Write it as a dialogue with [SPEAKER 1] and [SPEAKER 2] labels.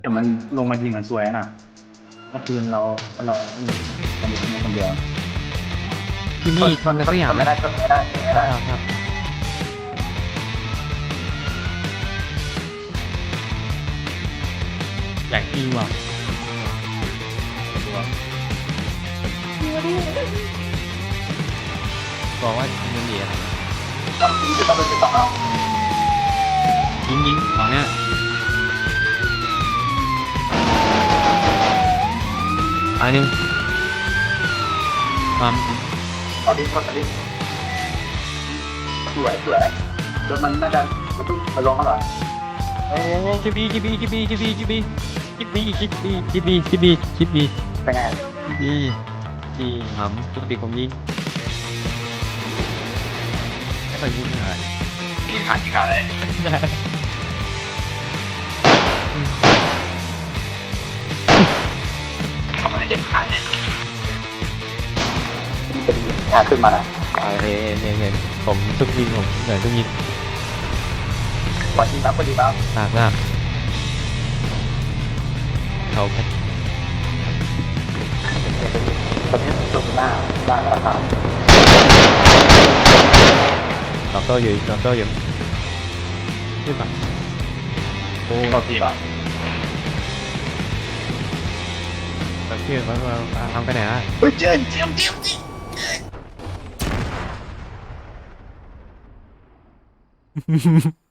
[SPEAKER 1] แต่มันลงมายิงกันสวยนะเมื่อคืนเราคนเดียวคนเดียว
[SPEAKER 2] ที่นี่มันก็อย่าง
[SPEAKER 1] ไม่
[SPEAKER 2] นะ
[SPEAKER 1] ได้ก็ไม่ได้ไม่ได้
[SPEAKER 2] ครับแหลกอีว่ะบอกว่ามันเหลีย
[SPEAKER 1] ต้องเอา
[SPEAKER 2] ยิงของเนี้ยอันนึงความ
[SPEAKER 1] เอาดิคนดิสวยจนมันน่าจะมาลงมาหน่อย
[SPEAKER 2] โอ้คิบบีเป็นไง
[SPEAKER 1] เป็นไง
[SPEAKER 2] ดีหำปกติผมยิงไม่ค่อยยิงอะไร
[SPEAKER 1] ยิงขาดเลยทำไมเจ็บขาเนี่ยเป็นขาขึ้นมาแล้ว
[SPEAKER 2] เห็นผมทุกยิงผมเหนื่อยทุกยิง
[SPEAKER 1] พอดีบ้าง
[SPEAKER 2] หนักมากเขาแค่
[SPEAKER 1] ตอนนี้ตรงหน้าราคา
[SPEAKER 2] สองโต้อยู่ขึ้นมาโอ้
[SPEAKER 1] พอดีบ้าง
[SPEAKER 2] แบบที่เขาทำไปไหนอ่ะ
[SPEAKER 1] เฮ้ยเจียม